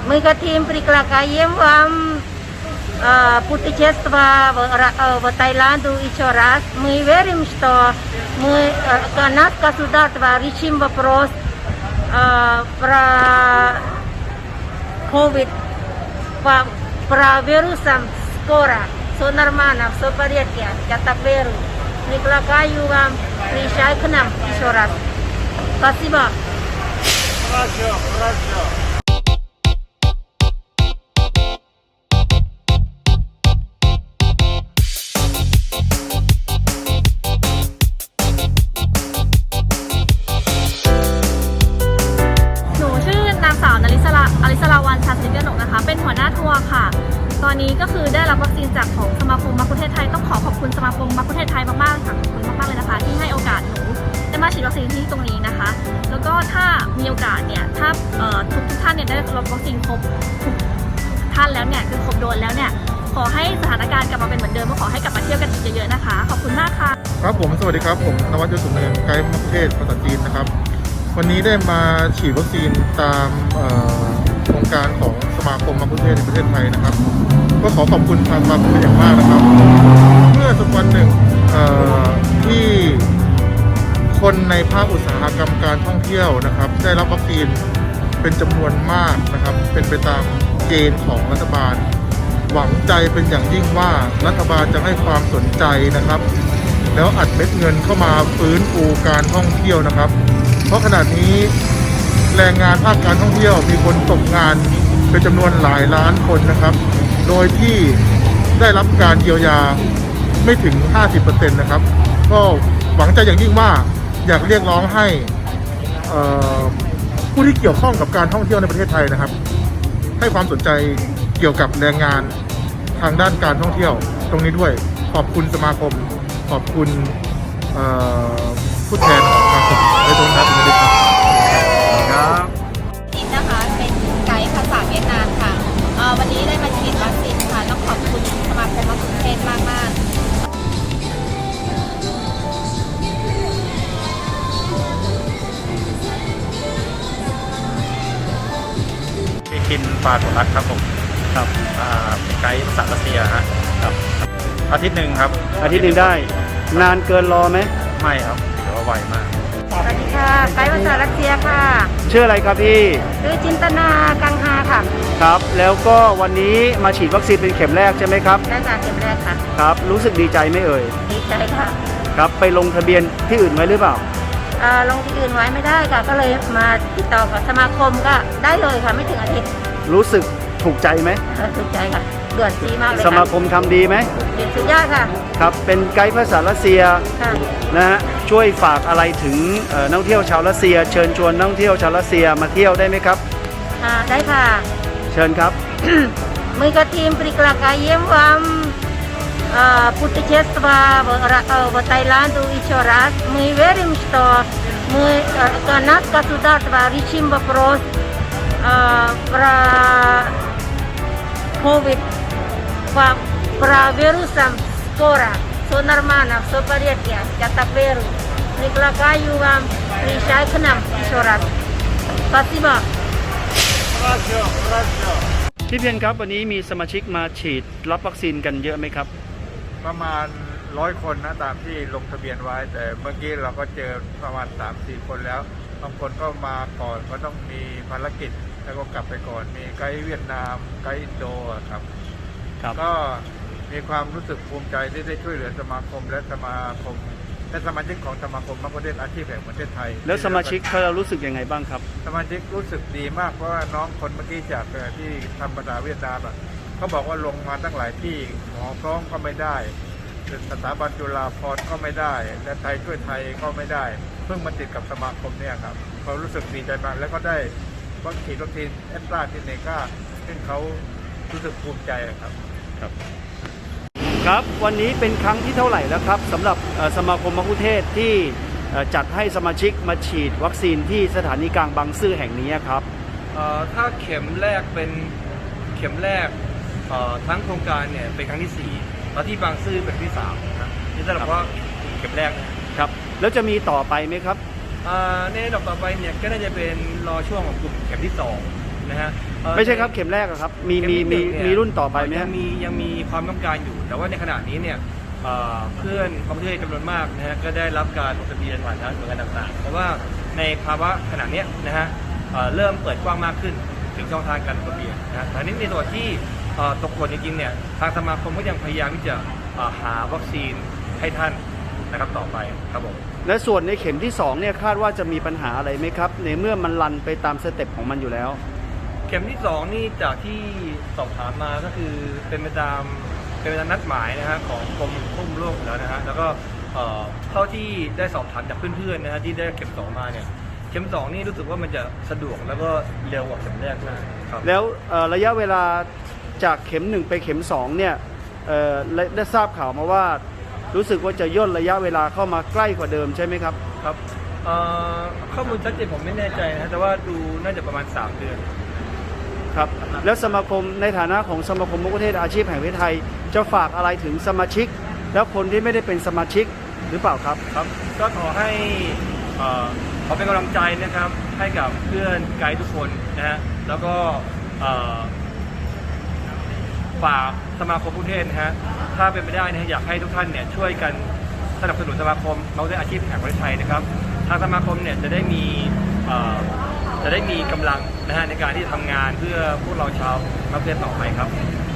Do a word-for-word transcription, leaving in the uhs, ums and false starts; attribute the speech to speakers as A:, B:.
A: Мы хотим приглашаем вам э, путешествовать в, э, в Таиланду еще раз. Мы верим, что мы, э, наше государство решим вопрос э, про ковид, по, про вирусом скоро. Все нормально, все в порядке. Я так верю. Приглашаю вам приезжать к нам еще раз. Спасибо.
B: Хорошо, хорошо.
C: หนูชื่อนางสาวนลิศราอลิศราวัลย์ ชาญสิริกนกนะคะเป็นหัวหน้าทัวร์ค่ะตอนนี้ก็คือได้รับวัคซีนจากของสมาคมมัคคุเทศก์ไทยต้องขอขอบคุณสมาคมมัคคุเทศก์ไทยมากๆค่ะขอบคุณมากๆเลยนะคะที่ให้โอกาสหนูได้มาฉีดวัคซีนที่ตรงนี้นะคะแล้วก็ถ้ามีโอกาสเนี่ยถ้าทุกทุกท่านเนี่ยได้รับวัคซีนครบทุกท่านแล้วเนี่ยคือครบโดนแล้วเนี่ยขอให้สถานการณ์กลับมาเป็นเหมือนเดิมและขอให้กลับมาเที่ยวกันเยอะๆนะคะขอบคุณมากค่ะ
D: ครับผมสวัสดีครับผมนวัดยศสุนเนินไกด์มัคคุเทศก์ภาษาจีนนะครับวันนี้ได้มาฉีดวัคซีนตามโครงการของสมาคมมัคคุเทศก์ในประเทศไทยนะครับก็ขอขอบคุณทางสมาคมเป็นอย่างมากนะครับเมื่อสักวันหนึ่งที่คนในภาคอุตสาหกรรมการท่องเที่ยวนะครับได้รับวัคซีนเป็นจำนวนมากนะครับเป็นไปตามเกณฑ์ของรัฐบาลหวังใจเป็นอย่างยิ่งว่ารัฐบาลจะให้ความสนใจนะครับแล้วอัดเม็ดเงินเข้ามาฟื้นฟูการท่องเที่ยวนะครับเพราะขณะนี้แรงงานภาคการท่องเที่ยวมีคนตกงานเป็นจำนวนหลายล้านคนนะครับโดยที่ได้รับการเยียวยาไม่ถึง ห้าสิบเปอร์เซ็นต์ นะครับก็หวังใจอย่างยิ่งว่าอยากเรียกร้องให้ผู้ที่เกี่ยวข้องกับการท่องเที่ยวในประเทศไทยนะครับให้ความสนใจเกี่ยวกับแรงงานทางด้านการท่องเที่ยวตรงนี้ด้วยขอบคุณสมาคมขอบคุณผู้แทนของสมาคมในตรงนั้นด้วยครับ
E: ครับจินนะคะเป็นไกด์ภาษาเวียดนามค่ะวันนี้ได้มาฉีดวัคซีนค่ะต้องขอบคุณสมาคมมัคคุเทศก์มากมาก
B: พี่คินปาตุรัตน์ครับผมครับเป็นไกด์ภาษารัสเซียฮะครับอาทิตย์หนึ่งครับ
F: อาทิตย์หนึ่งได้นานเกินรอไหม
B: ไม่ครับถือว่าไวมาก
A: สวัสดีค่ะไกด์ภาษารัสเซียค่ะ
F: ชื่ออะไรครับพี่
A: ชื่อจินตนากังฮาค่ะ
F: ครับแล้วก็วันนี้มาฉีดวัคซีนเป็นเข็มแรกใช่ไหมครับ
A: ได้ค่ะเข็มแรกค่ะ
F: ครับรู้สึกดีใจไหมเอ่ย
A: ดีใจค่ะ
F: ครับไปลงทะเบียนที่อื่นไว้หรือเปล่า
A: ลงที่อื่นไว้ไม่ได้ค่ะก็เลยมาติดต่อกับสมาคมก็ได้เลยค่ะไม่ถึงอาทิตย์
F: รู้สึกถูกใจไหม
A: ถูกใจค่ะเดือดซีมากเลย
F: สมาคมทำดีไหม
A: ดีสุดยอดค่ะ
F: ครับเป็นไกด์ภาษารัสเซียนะฮะช่วยฝากอะไรถึงนักท่องเที่ยวชาวรัสเซียเชิญชวนนักท่องเที่ยวชาวรัสเซียมาเที่ยวได้ไหมครับ
A: ได้ค่ะ
F: เชิญครับ
A: Мы хотим приглашаем вам путешествовать в Таиланду еще раз. Мы верим, что мы, наше государство решим вопрос про ковид, про вирусом скоро. Все нормально, все в порядке. Я так верю. Приглашаю вам приезжать к нам еще раз. Спасибо.
B: Хорошо, хорошо.
F: พี่เพียรครับวันนี้มีสมาชิกมาฉีดรับวัคซีนกันเยอะไหมครับ
D: ประมาณร้อยคนนะตามที่ลงทะเบียนไว้แต่เมื่อกี้เราก็เจอประมาณ สามสี่ คนแล้วบางคนก็มาก่อนก็ต้องมีภารกิจแล้วก็กลับไปก่อนมีไกด์เวียดนามไกด์อินโดครับก็มีความรู้สึกภูมิใจที่ได้ช่วยเหลือสมาคมและสมาคมและสมาชิกของสมาคมมัคคุเทศก์อาชีพแห่งประเทศไทย
F: แล้วสมาชิกเขารู้สึกยังไงบ้างครับ
D: สมาชิกรู้สึกดีมากเพราะว่าน้องคนเมื่อกี้จากที่ทำภาษาเวียดนามอ่ะเขาบอกว่าลงมาตั้งหลายที่หมอพร้อมก็ไม่ได้สถาบันจุฬาภรณ์ก็ไม่ได้และไทยช่วยไทยก็ไม่ได้เพิ่งมาติดกับสมาคมเนี่ยครับเขารู้สึกดีใจมากแล้วก็ได้วัคซีนวัคซีนแอสตราเซเนกาซึ่งเขารู้สึกภูมิใจครับ
F: ครับครับวันนี้เป็นครั้งที่เท่าไหร่แล้วครับสำหรับสมาคมมัคคุเทศก์ที่จัดให้สมาชิกมาฉีดวัคซีนที่สถานีกลางบางซื่อแห่งนี้ครับ
G: ถ้าเข็มแรกเป็นเข็มแรกทั้งโครงการเนี่ยเป็นครั้งที่สี่แล้วที่บางซื่อเป็นที่สามนะนี่สำหรับว่าเข็มแรก
F: ครับแล้วจะมีต่อไปไหมครับ
G: ในดอกต่อไปเนี่ยก็น่าจะเป็นรอช่วงของกลุ่มเข็มที่สองนะฮะเอ่อ
F: ไม่ใช่ครับเข็มแรกอะครับมีมีมี
G: เข็ที่หงเย
F: มีรุ่นต่อไปไหม
G: ยั
F: ฮะ
G: งมียังมีความต้องการอยู่ แต่ว่าในขณะนี้เนี่ยเอ่อเพื่อนประเทศจำนวนมากนะฮะก็ได้รับการลงทะเบียนผ่านทางหน่วยงานต่างๆเพราะว่าในภาวะขณะเนี้ยนะฮะเอ่อเริ่มเปิดกว้างมากขึ้นถึงช่องทางการลงทะเบียนนะฮะแต่นี้ในส่วนที่เอ่อตกหล่นจริงๆเนี่ยทางสมาคมก็ยังพยายามที่จะเอ่อหาวัคซีนให้ท่านนะครับต่อไปครับผม
F: และส่วนในเข็มที่สองเนี่ยคาดว่าจะมีปัญหาอะไรไหมครับในเมื่อมันรันไปตามสเต็ปของมันอยู่แล้ว
G: เข็มที่สองนี่จากที่สอบถามมาก็คือเป็นไปตามเป็นไปตามนัดหมายนะฮะของกรมควบคุมโรคอยู่แล้วนะฮะแล้วก็เอ่อเท่าที่ได้สอบถามจากเพื่อนๆนะฮะที่ได้เข็มสองมาเนี่ยเข็มสองนี่รู้สึกว่ามันจะสะดวกแล้วก็เร็วกว่าเข็มแรกมากครับ
F: แล้วเอ่อระยะเวลาจากเข็มหนึ่งไปเข็มสองเนี่ยเอ่อได้ได้ทราบข่าวมาว่ารู้สึกว่าจะย่นระยะเวลาเข้ามาใกล้กว่าเดิมใช่ไหมครับ
G: ครับเอ่อข้อมูลชัดเจนผมไม่แน่ใจนะฮะแต่ว่าดูน่าจะประมาณสามเดือน
F: ครับแล้วสมาคมในฐานะของสมาคมมะกุเทศอาชีพแห่งประเทศไทยจะฝากอะไรถึงสมาชิก แล้วคนที่ไม่ได้เป็นสมาชิกหรือเปล่าครับ
G: ครับก็ขอให้เอ่อขอเป็นกำลังใจนะครับให้กับเพื่อนไกด์ทุกคนนะฮะแล้วก็เอ่อฝากสมาคมผู้เทศนะฮะถ้าเป็นไปได้นะฮะอยากให้ทุกท่านเนี่ยช่วยกันสนับสนุนสมาคมมะกุเทศอาชีพแห่งประเทศไทยนะครับทางสมาคมเนี่ยจะได้มีเอ่อจะได้มีกำลังนะฮะในการที่จะทำงานเพื่อพวกเราชาวมะกุเทศต่อไปครับ